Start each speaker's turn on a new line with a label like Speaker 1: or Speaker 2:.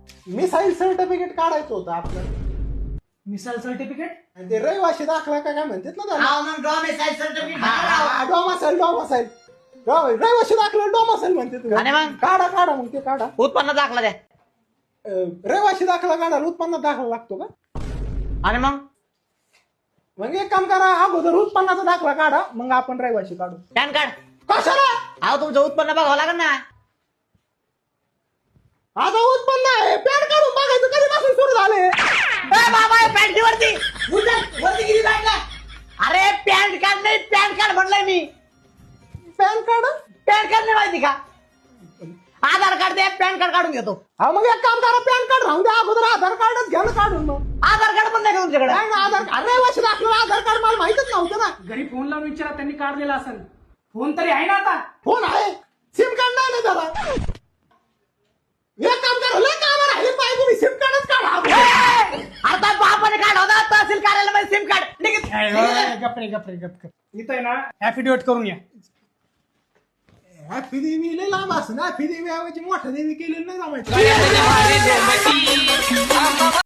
Speaker 1: Missile certificate काढायचं होतं आपलं.
Speaker 2: मिसाईल सर्टिफिकेट.
Speaker 1: आणि ते रहिवाशी दाखला काय म्हणतात ना त्याला.
Speaker 3: हा मग डॉमिसाईल सर्टिफिकेट
Speaker 1: डोमासाईल रहिवाशी दाखला डोमासाईल म्हणतात.
Speaker 3: आणि मग
Speaker 1: काढा काढा मग ते काढा.
Speaker 3: उत्पन्न दाखला द्या.
Speaker 1: रहिवाशी दाखला काढायला उत्पन्न दाखला लागतो का?
Speaker 3: आणि
Speaker 1: मग एक काम करा, अगोदर उत्पन्नाचा दाखला काढा, मग आपण रहिवाशी काढू.
Speaker 3: PAN card.
Speaker 1: कशाला?
Speaker 3: अहो तुमचं उत्पन्न बघावं लागेल ना.
Speaker 1: आता उत्पन्न आहे, पॅन काढून बघायचं कधीपासून सुरू झाले.
Speaker 3: बाबा पॅन्ट वरती वरती किती लागला. अरे पॅन कार्ड नाही, पॅन कार्ड म्हणलंय मी.
Speaker 1: पॅन कार्ड
Speaker 3: नाही माहिती का? आधार कार्ड दे, पॅन कार्ड काढून घेतो.
Speaker 1: हा मग एक काम करा, पॅन कार्ड राहून द्या, अगोदर आधार कार्डच घ्या ना काढून. मग
Speaker 3: आधार कार्ड पण नाही का तुमच्याकडे?
Speaker 1: नाही ना, आधार कार्ड रहिवाशी दाखला आधार कार्ड मला माहितच नव्हतं ना.
Speaker 2: घरी फोन लावून विचारा, त्यांनी काढलेला असेल. फोन तरी आहे ना आता?
Speaker 1: फोन आहे, सिम कार्ड नाही ना त्याला. एक काम करा, लय कामं राहिले पाहिजे, तुम्ही सिम कार्डच काढा.
Speaker 3: आता बापाने काढ होता तहसील कार्यालयामध्ये सिम कार्ड.
Speaker 2: गप्रे. इथं आहे ना ऍफिडेविट करून या.
Speaker 1: हॅपी देवी लय लांब असं ना, हॅपी देवी ऐवजी मोठ्या देवी केलेलं नाही जमायचं.